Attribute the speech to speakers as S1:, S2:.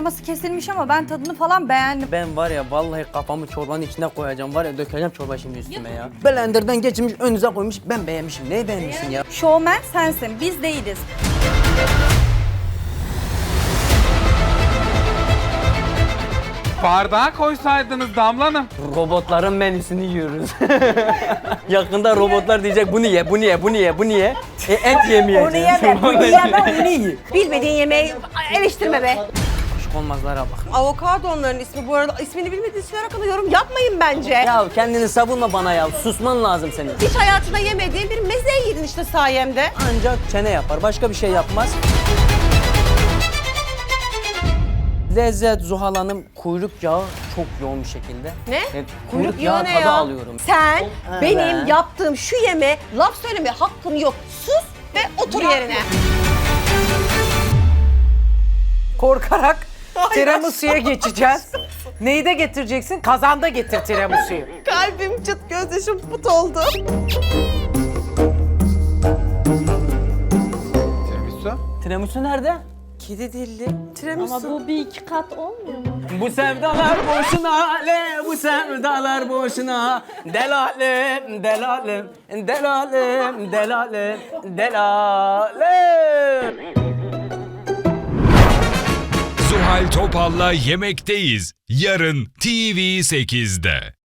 S1: kreması kesilmiş ama ben tadını falan beğendim.
S2: Ben var ya vallahi kafamı çorbanın içine koyacağım. Var ya dökeceğim çorba şimdi üstüme ya. Blender'dan geçirmiş önünüze koymuş. Ben beğenmişim. Neyi beğenmişsin ya?
S1: Showman sensin, biz değiliz.
S3: Bardağa koysaydınız Damla Hanım.
S2: Robotların menüsünü yiyoruz. Yakında robotlar diyecek bunu ye, bunu ye, bunu ye, bunu ye. Et yemeyeceğiz.
S4: Onu yeme, bunu yeme.
S2: Bunu ye.
S4: Bilmediğin yemeği eleştirme be.
S2: Aşık olmazlara bak.
S4: Avokado onların ismi bu arada. İsmini bilmediğiniz şeyler hakkında yorum yapmayın bence.
S2: Ya kendini savunma bana ya. Susman lazım senin.
S4: Hiç hayatında yemediğin bir meze yedin işte sayemde.
S2: Ancak çene yapar. Başka bir şey yapmaz. Lezzet Zuhal Hanım, kuyruk yağı çok yoğun bir şekilde.
S4: Ne?
S2: Evet, kuyruk yağı
S4: ne
S2: tadı
S4: ya?
S2: alıyorum.
S4: Sen
S2: Evet.
S4: benim yaptığım şu yeme laf söyleme hakkın yok. Sus ve otur yerine.
S5: Korkarak tiramisu'ya geçeceğiz. Neyi de getireceksin? Kazanda getir tiramisu'yu.
S4: Kalbim çıt gözyaşım put oldu.
S3: Tiramisu.
S2: Tiramisu nerede?
S4: Kedi dilli. Tiramisu.
S1: Ama bu bir iki kat olmuyor mu?
S2: Bu sevdalar boşuna, bu sevdalar boşuna. Delalim, delalim, delalim, delalim, delalim.
S6: Zuhal Topal'la Yemekteyiz. Yarın TV8'de.